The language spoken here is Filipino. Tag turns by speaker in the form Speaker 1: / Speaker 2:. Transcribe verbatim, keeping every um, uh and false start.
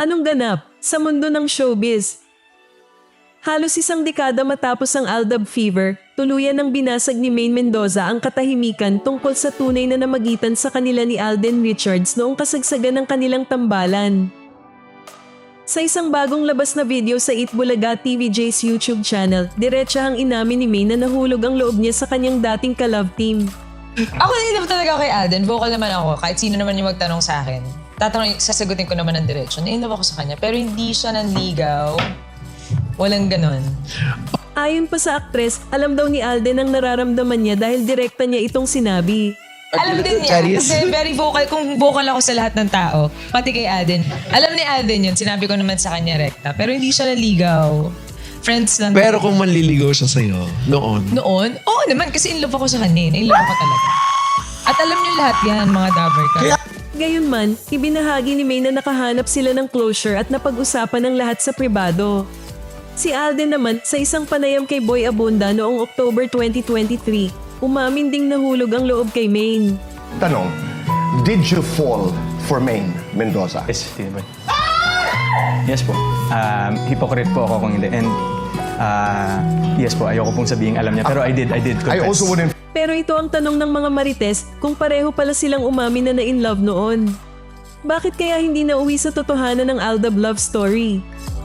Speaker 1: Anong ganap sa mundo ng showbiz? Halos isang dekada matapos ang Aldab Fever, tuluyan ng binasag ni Maine Mendoza ang katahimikan tungkol sa tunay na namagitan sa kanila ni Alden Richards noong kasagsagan ng kanilang tambalan. Sa isang bagong labas na video sa Itbulaga T V J's YouTube channel, diretsahang inamin ni Maine na nahulog ang loob niya sa kanyang dating ka-love team.
Speaker 2: Ako na talaga ako kay Alden. Vocal naman ako. Kahit sino naman yung magtanong sa akin. Tatanong, sasagutin ko naman ng diretsyon. Na-inlove ako sa kanya. Pero hindi siya nanligaw. Walang ganon.
Speaker 1: Ayon pa sa aktres, alam daw ni Alden ang nararamdaman niya dahil direkta niya itong sinabi.
Speaker 2: Alam din niya. Kasi very vocal. Kung vocal ako sa lahat ng tao, pati kay Alden. Alam ni Alden yun. Sinabi ko naman sa kanya rekta. Pero hindi siya nanligaw. Friends lang.
Speaker 3: Pero kung manliligaw siya sa'yo, noon.
Speaker 2: Noon? Oo naman. Kasi in love ako sa kanya. In love ako talaga. At alam niyo lahat yan, mga Dabber ka.
Speaker 1: Gayunman, ibinahagi ni May na nakahanap sila ng closure at napag-usapan ng lahat sa pribado. Si Alden naman, sa isang panayam kay Boy Abunda noong October twenty twenty-three, umamin ding nahulog ang loob kay Maine.
Speaker 4: Tanong, did you fall for Maine Mendoza?
Speaker 5: Yes, Tito Boy. Yes po. Um, hypocrite po ako kung hindi. And uh, yes po, ayoko pong sabihin alam niya. Pero I did, I did confess.
Speaker 4: I also wouldn't...
Speaker 1: Pero ito ang tanong ng mga marites kung pareho pala silang umamin na na in love noon. Bakit kaya hindi nauwi sa totohanan ng Aldab love story?